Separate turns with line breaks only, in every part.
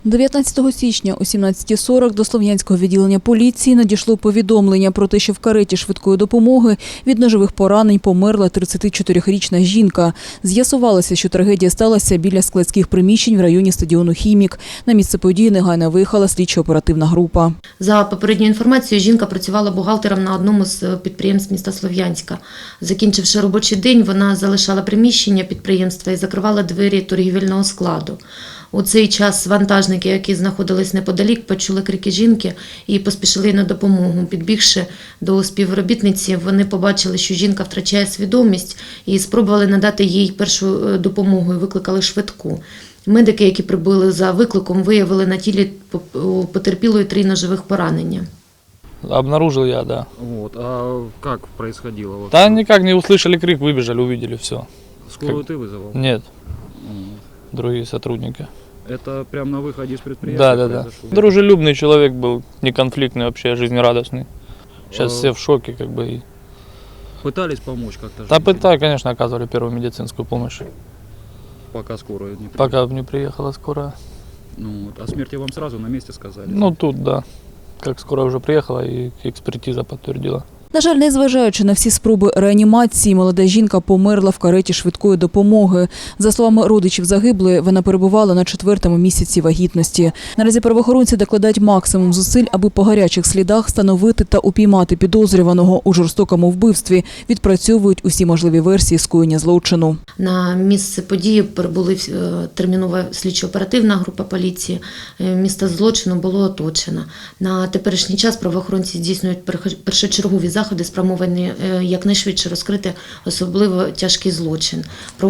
19 січня о 17:40 до Слов'янського відділення поліції надійшло повідомлення про те, що в кареті швидкої допомоги від ножових поранень померла 34-річна жінка. З'ясувалося, що трагедія сталася біля складських приміщень в районі стадіону «Хімік». На місце події негайно виїхала слідчо-оперативна група.
За попередньою інформацією, жінка працювала бухгалтером на одному з підприємств міста Слов'янська. Закінчивши робочий день, вона залишала приміщення підприємства і закривала двері торгівельного складу. У цей час вантажники, які знаходились неподалік, почули крики жінки і поспішили на допомогу. Підбігши до співробітниці, вони побачили, що жінка втрачає свідомість і спробували надати їй першу допомогу і викликали швидку. Медики, які прибули за викликом, виявили на тілі потерпілої 3 ножових поранення.
Обнаружил я, да.
Вот. А как происходило? Вот?
Да никак не услышали крик, выбежали, увидели все.
Скорую ты вызывал?
Нет,
Вот.
другие сотрудники.
Это прямо на выходе из предприятия?
Да.
произошло?
Дружелюбный человек был, неконфликтный вообще, жизнерадостный. Сейчас все в шоке, как бы.
Пытались помочь как-то?
Да
женщине?
пытались, конечно, оказывали первую медицинскую помощь.
Пока скорую не приехала?
Пока не приехала скорая.
Ну, вот. О смерти вам сразу на месте сказали?
Ну тут, да. Как скорая уже приехала и экспертиза подтвердила.
На жаль, незважаючи на всі спроби реанімації, молода жінка померла в кареті швидкої допомоги. За словами родичів загиблої, вона перебувала на 4-му місяці вагітності. Наразі правоохоронці докладають максимум зусиль, аби по гарячих слідах встановити та упіймати підозрюваного у жорстокому вбивстві. Відпрацьовують усі можливі версії скоєння злочину.
На місце події прибули термінова слідчо-оперативна група поліції. Місце злочину було оточено. На теперішній час правоохоронці здійснюють першочергові заходи, спрямовані якнайшвидше розкрити особливо тяжкий злочин.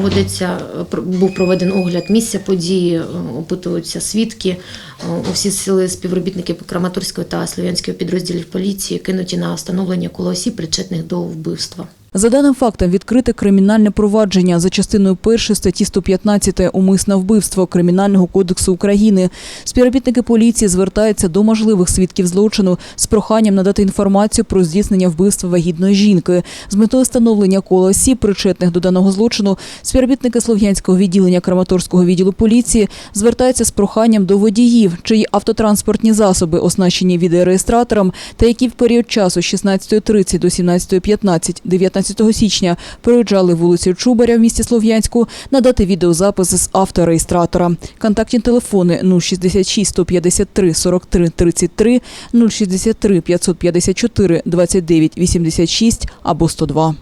Був проведений огляд місця події, опитуються свідки. Усі сили співробітників Краматорського та Слов'янського підрозділів поліції кинуті на встановлення кола осіб, причетних до вбивства.
За даним фактом відкрите кримінальне провадження за частиною 1 статті 115 «Умисне вбивство» Кримінального кодексу України. Співробітники поліції звертаються до можливих свідків злочину з проханням надати інформацію про здійснення вбивства вагітної жінки. З метою встановлення кола осіб, причетних до даного злочину, співробітники Слов'янського відділення Краматорського відділу поліції звертаються з проханням до водіїв, чиї автотранспортні засоби оснащені відеореєстратором та які в період часу з 16:30 до 17:15 19 січня проїжджали вулицю Чубаря в місті Слов'янську, надати відеозапис з автореєстратора. Контактні телефони 066 153 43 33, 063 554 29 86 або 102.